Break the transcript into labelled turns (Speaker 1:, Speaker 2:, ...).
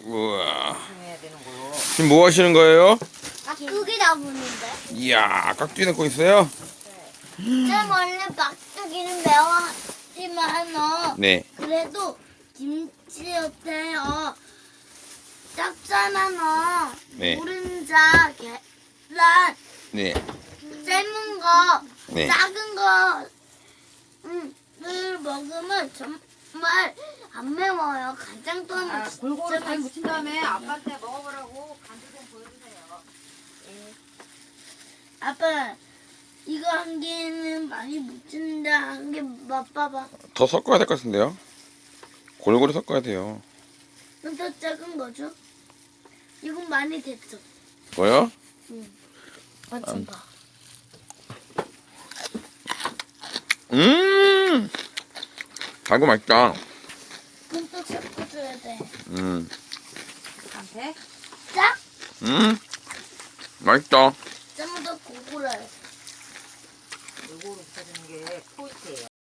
Speaker 1: 우와.
Speaker 2: 해야 되는 거요.
Speaker 1: 지금 뭐 하시는 거예요?
Speaker 3: 막두기 잡으는데.
Speaker 1: 이야, 깍두기 넣고 있어요?
Speaker 3: 쌤 원래 막두기는 매워하지만
Speaker 1: 네.
Speaker 3: 그래도 김치였대요. 짭짤한
Speaker 1: 네.
Speaker 3: 노른자, 계란,
Speaker 1: 네.
Speaker 3: 삶은 거,
Speaker 1: 네.
Speaker 3: 작은 거, 을 먹으면 정말 안 매워요. 간장 또는
Speaker 2: 아,
Speaker 3: 진짜
Speaker 2: 골고루 잘 묻힌 다음에
Speaker 3: 맛있어요.
Speaker 2: 아빠한테 먹어보라고 간주 좀 보여주세요.
Speaker 3: 아빠, 이거 한 개는 많이 묻힌다. 한 개 맛봐봐.
Speaker 1: 더 섞어야 될 것 같은데요? 골고루 섞어야 돼요.
Speaker 3: 좀 더 작은 거죠? 이건 많이 됐어.
Speaker 1: 뭐요?
Speaker 3: 맛 좀 봐.
Speaker 1: 달고 맛있다.
Speaker 3: 좀 더 섞어줘야 돼.
Speaker 2: 한테
Speaker 3: 짝?
Speaker 1: 맛있다.
Speaker 3: 좀 더 고구려요.
Speaker 2: 골고루 묻혀주는 게 포인트예요.